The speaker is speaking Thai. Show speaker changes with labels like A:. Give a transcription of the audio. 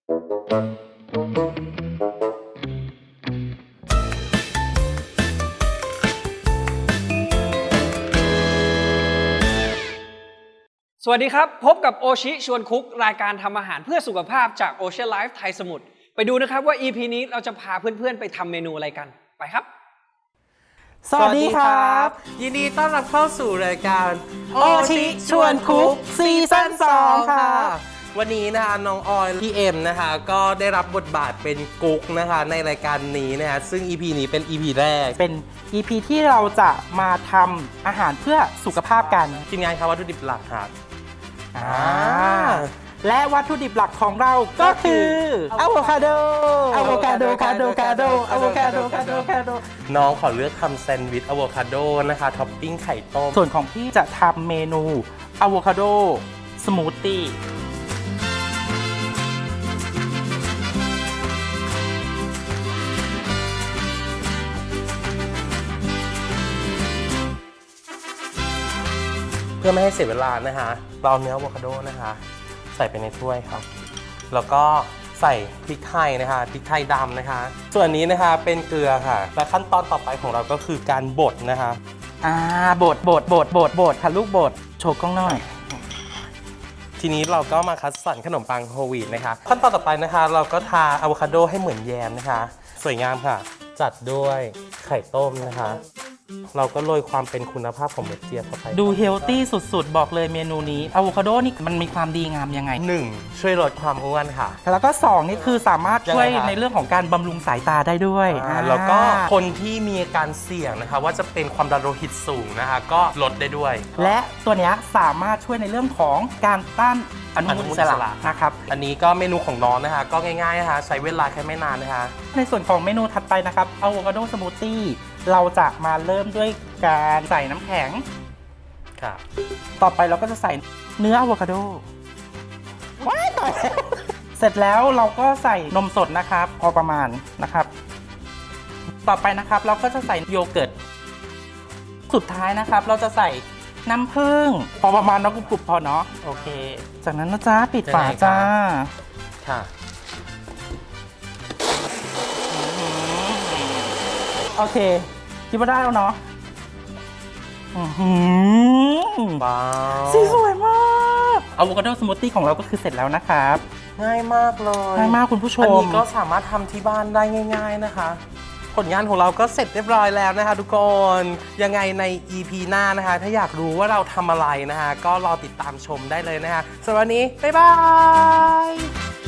A: สวัสดีครับพบกับโอชิชวนคุกรายการทำอาหารเพื่อสุขภาพจาก Ocean Life ไทยสมุทรไปดูนะครับว่า EP นี้เราจะพาเพื่อนๆไปทำเมนูอะไรกันไปครับ
B: สวัสดีครับ
C: ยินดีต้อนรับเข้าสู่รายการ
B: โอชิชวนคุกซีซั่น2ค่ะ
C: วันนี้นะคะน้องออยพี่เอ็มนะคะก็ได้รับบทบาทเป็นกุ๊กนะคะในรายการนี้นะคะซึ่ง EP นี้เป็น EP แรก
B: เป็น EP ที่เราจะมาทำอาหารเพื่อสุขภาพกัน
C: ทีมงานครับวัตถุดิบหลักครับ
B: และวัตถุดิบหลักของเราก็คืออะโวคาโด
C: น้องขอเลือกทำแซนด์วิชอะโวคาโดนะคะท็อปปิ้งไข่ต้ม
B: ส่วนของพี่จะทำเมนูอะโวคาโดสมูทตี้
C: เพื่อไม่ให้เสียเวลานะคะเราเนื้ออะโวคาโดนะคะใส่ไปในถ้วยครับแล้วก็ใส่พริกไทยนะคะพริกไทยดำนะคะส่วนนี้นะคะเป็นเกลือค่ะและขั้นตอนต่อไปของเราก็คือการบดนะคะ
B: บดค่ะลูกบดโชว์กล้องหน่อย
C: ทีนี้เราก็มาคัดสรรขนมปังโฮลวีตนะคะขั้นตอนต่อไปนะคะเราก็ทาอะโวคาโดให้เหมือนแยมนะคะสวยงามค่ะจัดด้วยไข่ต้มนะคะเราก็โรยความเป็นคุณภาพของเม็ดเจียบเข้าไป
B: ดูเฮลตี้สุดๆบอกเลยเมนูนี้อะโวคาโดนี่มันมีความดีงามยังไง
C: 1ช่วยลดความอ้วนค่ะ
B: แล้วก็2นี่คือสามารถช่วยในเรื่องของการบำรุงสายตาได้ด้วย
C: แล้วก็คนที่มีอาการเสี่ยงนะคะว่าจะเป็นความดันโลหิตสูงนะคะก็ลดได้ด้วย
B: และตัวนี้สามารถช่วยในเรื่องของการต้านอนุมูลอิสระนะครับ
C: อันนี้ก็เมนูของน้องนะคะก็ง่ายๆนะคะใช้เวลาแค่ไม่นานนะคะ
B: ในส่วนของเมนูถัดไปนะครับอะโวคาโดสมูทตี้เราจะมาเริ่มด้วยการใส่น้ำแข็ง
C: ค่ะ
B: ต่อไปเราก็จะใส่เนื้ออะโวคาโดว้ายต่อยเสร็จแล้วเราก็ใส่นมสดนะครับพอประมาณนะครับต่อไปนะครับเราก็จะใส่โยเกิร์ตสุดท้ายนะครับเราจะใส่น้ำผึ้งพอประมาณน้ำกรุบๆพอเนาะโอเคจากนั้นนะจ๊ะปิดฝาจ้า
C: ค่ะ
B: โอเคคิดว่าได้แล้วเนาะ
C: ว้าว
B: สีสวยมากอะโวคาโดสมูทตี้ของเราก็คือเสร็จแล้วนะครับ
C: ง่ายมากเลย
B: ง่ายมากคุณผู้ชม
C: อันนี้ก็สามารถทำที่บ้านได้ง่ายๆนะคะผลงานของเราก็เสร็จเรียบร้อยแล้วนะคะทุกคนยังไงใน EP หน้านะคะถ้าอยากรู้ว่าเราทำอะไรนะคะก็รอติดตามชมได้เลยนะคะสำหรับวันนี้บ๊ายบาย